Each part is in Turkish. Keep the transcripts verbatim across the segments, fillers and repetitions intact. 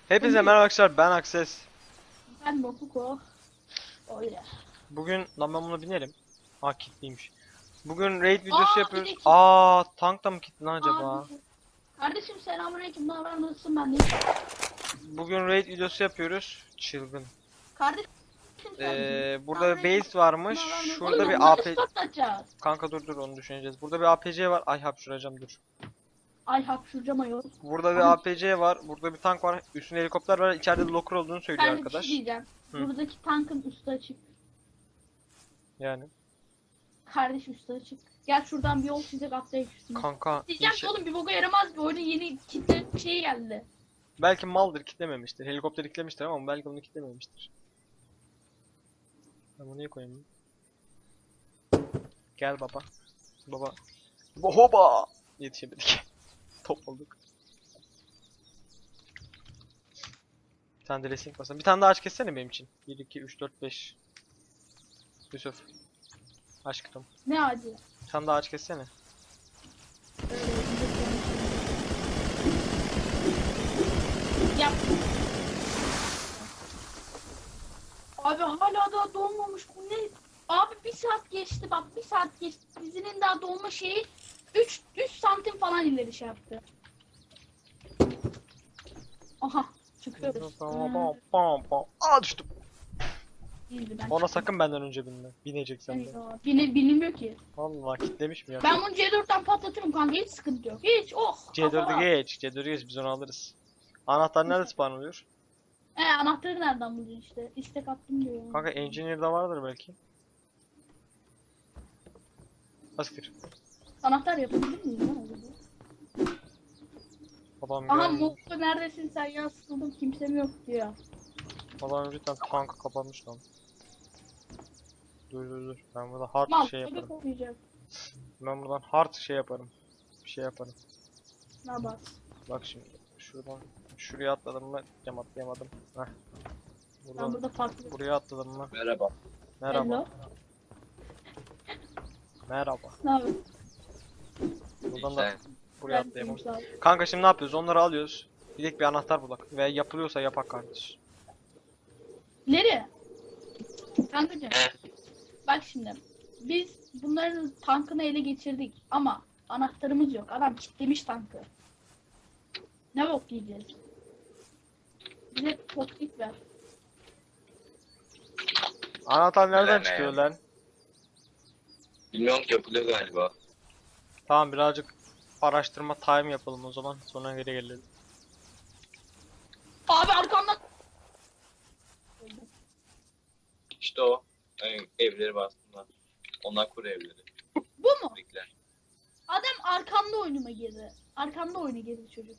Hepinize merhaba arkadaşlar, ben Akses. Ben Mokuko. Öyle. Bugün lan ben buna binerim. Aa kilitliymiş. Bugün raid videosu Aa, yapıyoruz. bir de kit- Aa tank da mı kilitli lan acaba? Abi. Kardeşim selamünaleyküm. Ne haber? Nasılsın ben de? Bugün raid videosu yapıyoruz. Çılgın. Kardeşim sen. Ee, burada Selamünaleyküm. base varmış. Ne haber? Nasılsın? Şurada Oğlum, bir onları A P... spotlatacağız. Kanka dur dur onu düşüneceğiz. Burada bir A P C var. Ay hapşıracağım dur. Ay hapşuracağım ayol. Burada bir A P C var. Burada bir tank var. Üstünde helikopter var. İçeride de locker olduğunu söylüyor Ben de bir arkadaş. şey diyeceğim. Hı. Buradaki tankın üstü açık. Yani. Kardeş üstü açık. Gel şuradan bir yol çizecek atlayıp üstüne. Kanka. Diyeceğim inşa- ki oğlum bir boka yaramaz bir oyunun yeni kitle şeyi geldi. Belki maldır kitlememiştir. Helikopter kitlemiştir ama belki onu kitlememiştir. Ben bunu niye koyayım? Gel baba. Baba. Hoba! Yetişemedik. Top olduk. Bir tane de racing basalım. Bir tane daha aç kessene benim için. bir, iki, üç, dört, beş. Yusuf. Aşkım. Ne acı. Bir tane daha aç kessene. Yap. Abi hala daha dolmamış bu ne? Abi bir saat geçti bak bir saat geçti. Dizinin daha dolma şeyi üç üç santim falan ileri şey yaptı. Aha çıkıyoruz. Hmm, Aa düştüm. değildi ben. Ona sakın benden önce binme. Bineceksen de. Eyvah. Bine, bilinmiyor ki. Vallahi kitlemiş mi ya? Ben bunu C dörtten patlatırım kanka hiç sıkıntı yok. Hiç oh. C dördü kafa. geç. C dördü geç biz onu alırız. Anahtar nerede spawn oluyor? He anahtarı nereden bulacaksın işte. İstek attım diyor. Kanka engineer'da vardır belki. Asiktir. Anahtar yapabilir miyim lan acaba? Babam Aha gelmiş. Mokko neredesin sen ya sıkıldım kimsem yok diyor. Babam cidden tankı kapanmış lan. Dur dur dur. Ben burada hard Mal şey bebek yaparım. okuyacak. Ben buradan hard şey yaparım. Bir şey yaparım. Ne yapar? Bak şimdi. Şuradan şuraya atladım mı? Cam atlayamadım. Heh. Ben Buradan burada farklı. buraya atladım mı? Merhaba. Merhaba. Hello. Merhaba. Ne yapıyorsun? Buradan da buraya atlayamam. Sağ ol. Kanka şimdi ne yapıyoruz? Onları alıyoruz. Direkt bir anahtar bulak. Ve yapılıyorsa yapak kardeş. Nereye? Kankacığım. Bak şimdi. Biz bunların tankını ele geçirdik ama anahtarımız yok. Adam kilitlemiş tankı. Ne bok yiyeceğiz? Bize topik ver. Anahtar nereden Vereme çıkıyor ya. lan? Bilmiyorum ki yapılıyor galiba. Tamam birazcık araştırma time yapalım o zaman. Sonra geri gelelim. Abi arkamdan. İşte o. Yani evleri var aslında. Onlar kuru evleri. Bu mu? Bekler. Adam arkamda oyunuma girdi. Arkamda oyuna girdi çocuk.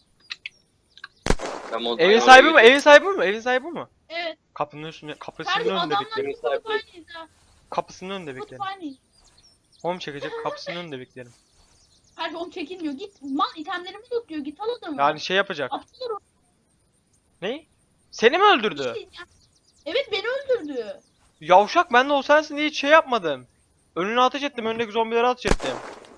Ben mod- Evin ben sahibi oraya mi? Evin sahibi mi? Evin sahibi mi? Evet. Kapının üstünde, kapısının Kardeşim önünde adamla beklerim. tutup aynıyız ha. Kapısının önünde Tutup beklerim. aynıyız. Home çekecek, kapısının önünde beklerim. Kardeşim onu çekinmiyor. Git mal itemlerimi tutuyor. Git al adamı. Yani şey yapacak. Atılır o. Ne? Seni mi öldürdü? İşte ya. Evet beni öldürdü. Yavşak ben de o sensin diye hiç şey yapmadım. Önüne ateş ettim, önündeki zombilere ateş ettim.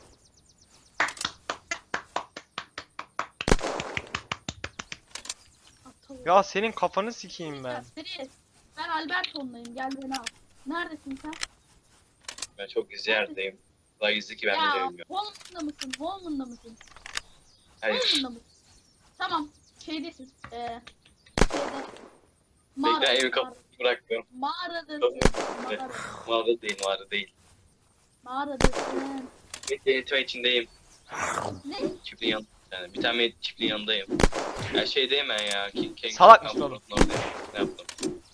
Atılır. Ya senin kafanı sikeyim ben. Nereye? Ben Alberton'dayım. Gel beni al. Neredesin sen? Ben çok gizli yerdeyim. Daha gizli ki ben de ya bilmiyorum. Holman'da mısın? Holman'da mısın? Hayır. Holman'da mısın? Tamam. Şeydesin. Ee, şeyde. Bekle Mağara. evin kapısını bırakmıyorum. Mağaradasın. Mağara. Mağarada değil, mağarada değil. Mağaradasın. Bekle itme içindeyim. Ne? Çiftliğin yan yani bir tane çiftliğin yanındayım. Her şeydeyim ben ya. King, King, Salak King mısın oğlum? Kampı'nın oradayım. Ne yaptım?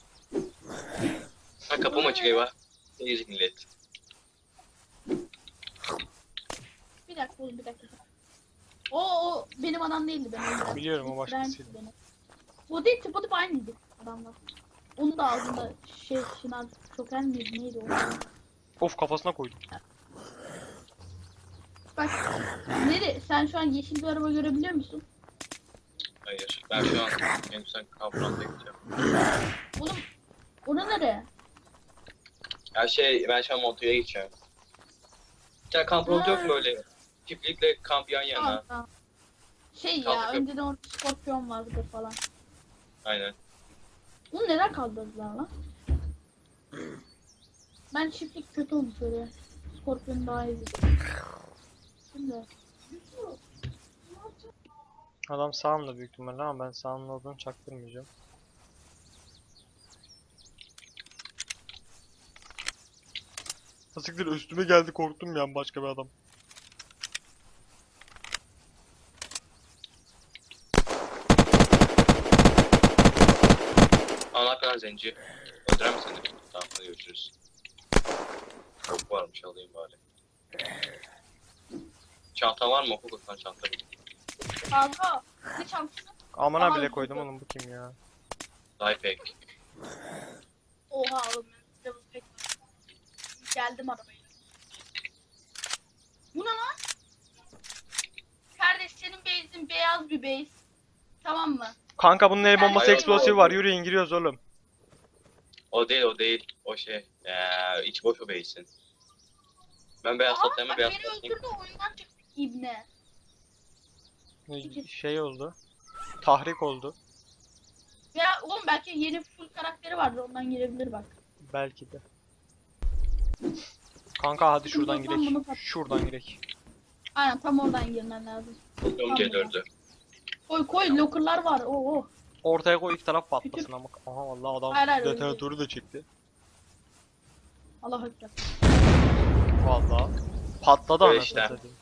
Ha kapım açık eyvah. Ne girecek millet? Bir dakika oğlum bir dakika. O o benim adam değildi ben öldürdüm. Biliyorum, o Bitiren başkasıydı. beni. O değil tıpa tıpa aynıydı adamlar. Onun da ağzında şey şınav çoker miydi neydi o? Of kafasına koydum. Bak nere sen şu an yeşil bir araba görebiliyor musun? Hayır. Ben şu an benim sen kampına gideceğim. Oğlum ona nere? Ya şey ben şu an Montoya gideceğim. Bir tane kamp road yok mu böyle? Çiftlikle kamp yan yana. Tamam, tamam. Şey ya Kaldık. önceden orada skorpiyon vardı falan. Aynen. Bunu neden kaldırdılar lan? Ben çiftlik kötü olmuş öyle. Scorpion daha iyi. Şimdi. Adam sağımda büyük ihtimalle ama ben sağımda olduğunu çaktırmayacağım. Siktir üstüme geldi korktum ya başka bir adam. Allah kadar zenci. Öldüren mi seni? Tamam hadi görüşürüz. Çok varmış alayım bari. Çanta var mı? Okul kutusundan çanta buldum. Kanka. Ne çantası? Amına Aha, bile bu koydum da. oğlum bu kim ya? Lifehack. Oha oğlum. Ben double pack var. Geldim arabayla. Bu ne lan? Kardeş senin base'in beyaz bir base. Tamam mı? Kanka bunun el Yani bombası şey eksplosivi var. var yürüyün giriyoruz oğlum. O değil o değil. O şey. Eee iç boş o beysin. Ben beyaz Aa, toplayayım bak beyaz beni toplayayım. öldürdü oyundan çıktı ibne. Şey oldu. Tahrik oldu. Ya oğlum belki yeni full karakteri vardır ondan girebilir bak. Belki de. Kanka hadi şuradan Sıkıntı yok lan, girek. bunu pat- Şuradan girek. Aynen tam oradan girmen lazım. Buldum C dördü. Koy koy locker'lar var. Oo. Ortaya koy ilk taraf patlasın ama. Aha vallahi adam Hayır, hayır, öyle detonatörü de çekti. Allah ekber. Vallahi. Patladı Böyle anasını işte. satayım.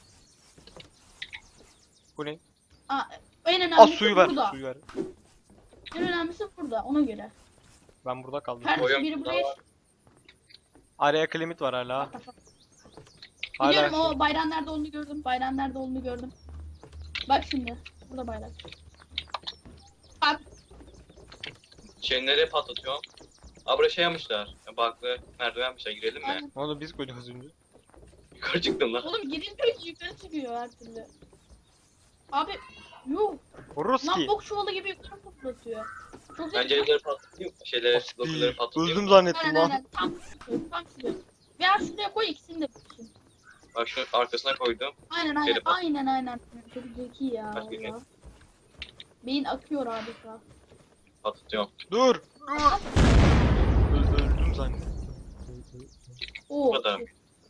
Bu ne? Aa, en Aa önemlisi suyu ver, burada. suyu ver. En önemlisi burada ona göre. Ben burada kaldım. Her Koyun biri burada buraya var. Araya klimit var hala. Hala Biliyorum şey- o bayrağın nerede olduğunu gördüm. Bayrağın nerede olduğunu gördüm. Bak şimdi. Burada bayrak. Abi Şey nereye patlatıyorum? Aa buraya şey yapmışlar. Baklı merdiven yapmışlar. Girelim mi? aynen. Onu biz koyduk az önce. Yukarı çıktım lan. Oğlum girince yukarı çıkıyor her türlü. Abi yuh. Lan Ruski. bok çuvalı gibi yukarı fırlatıyor. Çok Ben zeki. cevherleri patlatayım. Şeyleri, Asiktir. lokaları patlatayım. Öldüm zannettim Aynen lan. aynen. Tam şuraya, tam şuraya. Veya şuraya koy ikisini de bulsun. Bak şu arkasına koydum. Aynen aynen Geri pat- aynen aynen. Çok zeki ya. Başka bir- valla. Beyin akıyor adeta. Patlatıyorum. Dur. Dur. Öl- Öldüm zannettim. Oo. Bu kadar.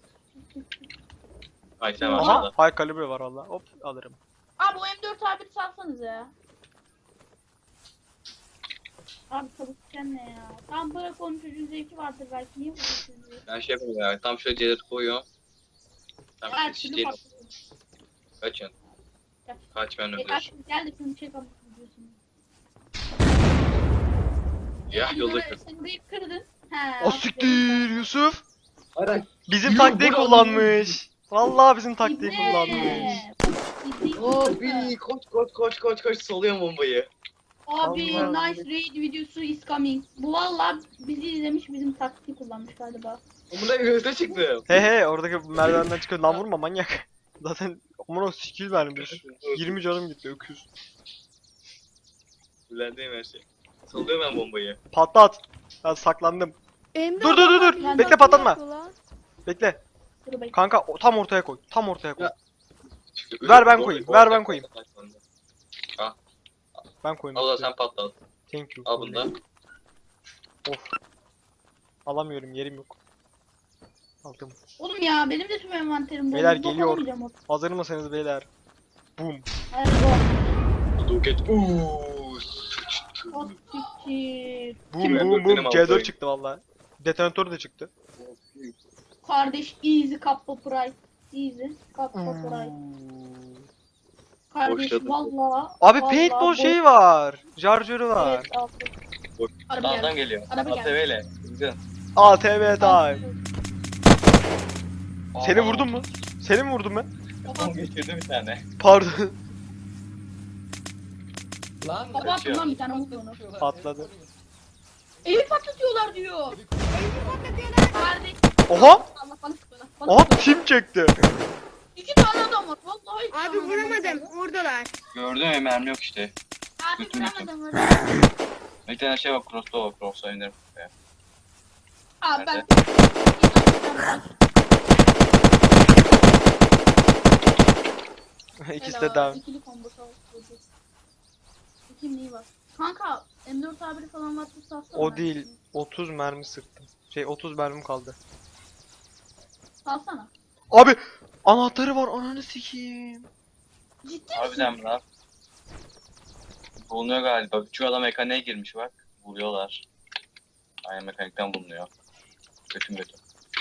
Ay sen Aha. aşağıda. Aha high kalibre var valla. Hop alırım. Abi o M dört A bir salsanız ya. Abi çalışken ne ya? Tam bırak onun çocuğun zevki vardır belki. Niye vuruyorsun? Ben şey yapayım ya. Tam şöyle cevher koyuyorum. Tam Her şu türlü çiçeği patlasın. kaçın. Kaç. Kaç ben E, öldürür. kaç gel de şunu çek ama diyorsun. Ya yolda Sen- kır. Sen burayı kırdın. He. O siktir Yusuf. Hayır. Bizim Yuh, taktiği bu ne kullanmış. Vallahi bizim taktiği İbne! kullanmış. İbne- Abi koş koş koş koş koş soluyorum bombayı. Abi Allah. nice raid videosu is coming. Bu valla bizi izlemiş bizim taktiği kullanmış galiba. Amına gözüne çıktım. He he oradaki merdivenden çıkıyor. Lan vurma manyak. Zaten amına skill vermiş. yirmi canım gitti öküz. Kullandığım her şey. Soluyorum ben bombayı. Patlat. Ben saklandım. Elimde Dur, dur, dur, adamlar dur. bizi Bekle, nasıl patlatma. yapıyor lan? Bekle. Dur bakayım. Kanka o- tam ortaya koy. Tam ortaya koy. Ya. Ver ben koyayım, ver ben koyayım. Ben koyayım. Al da sen patlat. Thank you. Al bunu da. Of. Alamıyorum yerim yok. Aldım. Oğlum ya benim de tüm envanterim doldu. Beyler Bok geliyor. alamayacağım o- Hazır mısınız beyler? Boom. Hadi go. Roket. Uuu. Sıçtı. O siktir. Boom Kim boom öldürdü boom. benim C dört altayı? çıktı valla. Detonatör de çıktı. Kardeş easy kappa pride. Easy kappa pride. Kardeş Boşladım. valla. Abi valla paintball boş- şeyi var. Charger'ı var. Evet abi. Boş. Araba Sağdan geldi. geliyor. Araba geldi. A T V ile. Güzel. A T V time. Seni Aa. vurdum mu? Seni mi vurdum ben? Kafam geçirdi bir tane. Pardon. Lan Kafa attım lan bir tane vurdu onu. Patladı. Evi patlatıyorlar diyor. Kardeş. Oha! Allah bana sık bana. Bana Oha sık bana. kim çekti? İki tane adam var. Vallahi iki Abi tane adam var. vuramadım. Oradalar. Gördün mü mermi yok işte. Abi Götür, götür. vuramadım. Bir tane şey var cross'ta o cross'a iner. Abi ben. İkisi de down. İkili combo sağ ol. İki neyi var? Kanka M dört A bir falan varsa salsana. O ben. değil. otuz mermi sıktım. Şey otuz mermim kaldı. Salsana. Abi anahtarı var ananı sikeyim. Ciddi misin? Harbiden mi lan? Bulunuyor galiba. Küçük adam mekaniğe girmiş bak. Buluyorlar. Aynen mekanikten bulunuyor. Kötü kötü.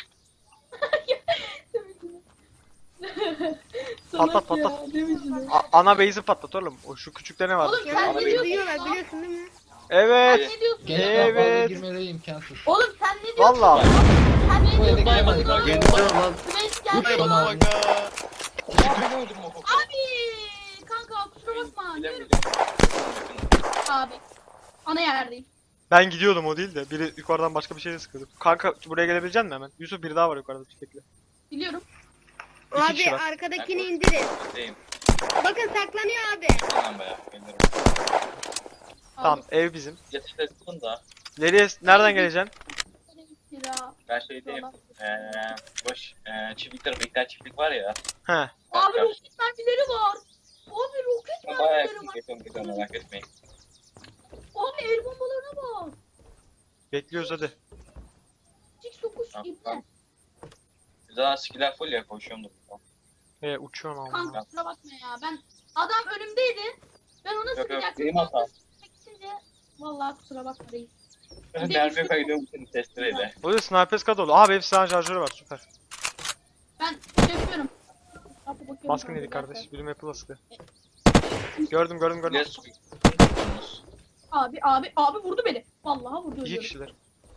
Salak Patlat, patlat. ya, değil misin? A- ana base'i patlat oğlum. O şu küçükte ne var? Oğlum Ya sen Abi, ne diyorsun? duyuyorlar lan? biliyorsun değil mi? Sen Evet. ne diyorsun? Gençten fazla Evet. girmeleri imkansız. Oğlum sen ne diyorsun? Vallahi. Sen ne Bu eve diyorsun? giremedik Oğlum, abi. Yeniliyor lan. Grace Bu geldi. bana abi. Ben öldüm o koku. Abi kanka kusura bakma. Bilemedim. Abi. Ana yerdeyim. Ben gidiyordum o değil de. Biri yukarıdan başka bir şeyle sıkıyordu. Kanka buraya gelebilecek misin hemen? Yusuf biri daha var yukarıda. Bekle. Biliyorum. İki Abi kişi var. arkadakini Ben indirin. Deyim. Bakın saklanıyor abi. Tamam be. Gelirim. Tamam Abi, ev bizim. Yatışta tutun da. Nereye nereden geleceksin? lira. Ben şeydeyim. Eee boş eee çiftlikler, bekler çiftlik var ya. He. Abi roket mermileri var. Abi roket Ben bayağı mermileri yakın var. geçiyorum gidiyorum merak etmeyin. Abi el bombalarına bak. Bekliyoruz hadi. Six dokuz Tamam, ibne. tamam. Zaten skiller full ya koşuyorum da. He uçuyorsun ama. Kanka kusura bakma ya. Ben adam önümdeydi. Ben ona Yok yok sıkacaktım. benim hatam. Gidince vallahi kusura bakma reis. Mermi kaydediyorum seni testereyle. O da sniper squad oldu. Abi hepsi silahlı şarjörü var süper. Ben şey yapıyorum. Kapı bakıyorum Baskın kanka, yedik gel kardeş. sen. Biri map'ı sıktı. Gördüm gördüm gördüm. Yes. Abi abi abi vurdu beni. Vallahi vurdu İki ölüyorum. kişiler.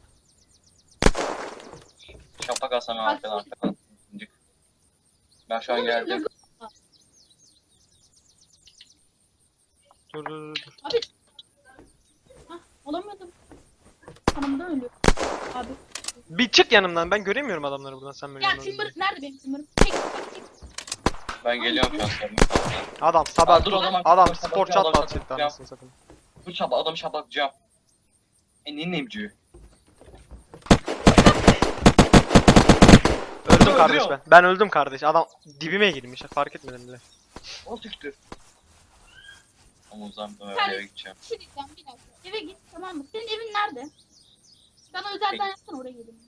Şapak alsam ben arkadan arkadan. Ben şu an geldim. Dur dur dur. dur. Abi. Hah olamıyordum. Hanımdan ölüyor. Abi. Bir çık yanımdan. Ben göremiyorum adamları buradan sen böyle. Ya yanlarına Timber gidince. nerede benim Timber'ım? Çek çek çek. Ben geliyorum şu an senin. Adam sabah Aa, dur o zaman. adam Dur, spor dur, çat adam batacak şaplatacağım. anasını satayım. Bu şapa adamı şaplatacağım. E neyin neyimci? Öldüm Öldürüyor. kardeş ben. Ben öldüm kardeş. Adam dibime girmiş. Fark etmedim bile. O tüktü. Ama o zaman ben Sen- eve gideceğim. Bir şey diyeceğim bir dakika. Eve git tamam mı? Senin evin nerede? Bana özelden yapsana oraya gelin.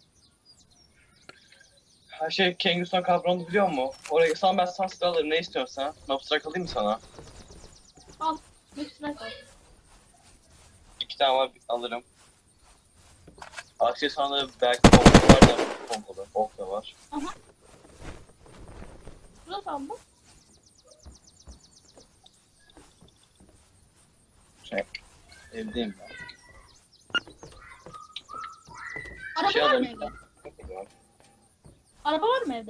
Her şey Kengüstan kavramını biliyor musun? Oraya sana ben sana silah alırım ne istiyorsan. Mapstrak alayım mı sana? Ne strike al. İki tane var alırım. Aksesuarları belki pompalı var da pompalı. Ok da var. Burası al bak. Evdeyim ben. Araba şey var mı alayım. evde? Araba var mı evde?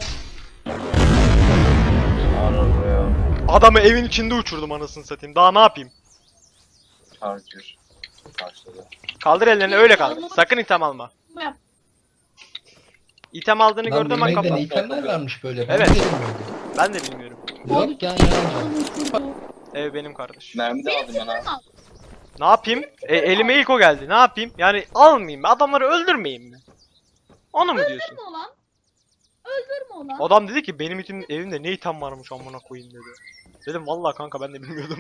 Araba ya. Adamı evin içinde uçurdum anasını satayım. Daha ne yapayım? Charger. Karşıladı. Kaldır ellerini öyle kaldır. Sakın item alma. Bu yap. İtem aldığını Lan gördüm bak bilmekten kapat. itemler varmış böyle. Ben Evet. de bilmiyordum. Ben de bilmiyorum. Yok ya ya. Adamı uçurdu. Ev benim kardeş. Mermi de Benim aldım ben ha. Timber'ımı al. Ne yapayım? E, elime ilk o geldi. Ne yapayım? Yani almayayım mı? Adamları öldürmeyeyim mi? Onu mu diyorsun? Öldürme ulan. Öldürme ulan. Adam dedi ki benim için evimde ne item varmış amına koyayım dedi. Dedim vallahi kanka ben de bilmiyordum.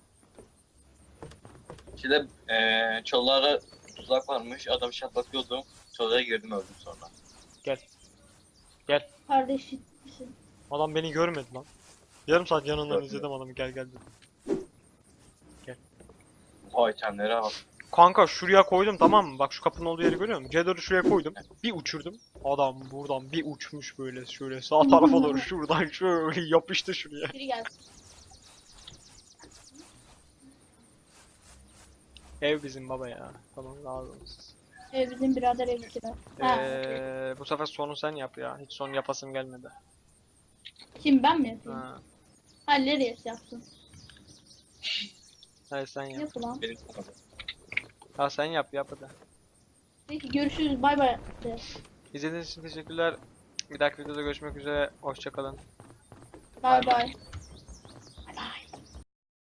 İşte eee çalılara tuzak varmış. Adam şaplatıyordu. Çalıya girdim öldüm sonra. Kardeşim. Adam beni görmedi lan. Yarım saat yanından izledim adamı gel gel dedim. Vay itemlere bak. Kanka şuraya koydum tamam mı? Bak şu kapının olduğu yeri görüyor musun? C dördü şuraya koydum. Bir uçurdum. Adam buradan bir uçmuş böyle şöyle sağ tarafa doğru şuradan şöyle yapıştı şuraya. Biri gelsin. Ev bizim baba ya. Tamam razı olsun. Ee, bizim birader ev kira. Ha, Ee, bu sefer sonu sen yap ya. Hiç son yapasım gelmedi. Kim ben mi yapayım? Ha. Halleri yapsın. Hayır sen yap. Yap ulan. Benim kanadım. Ha sen yap yap hadi. Peki görüşürüz. Bay bay. de. İzlediğiniz için teşekkürler. Bir dahaki videoda görüşmek üzere. Hoşçakalın. Bay bay.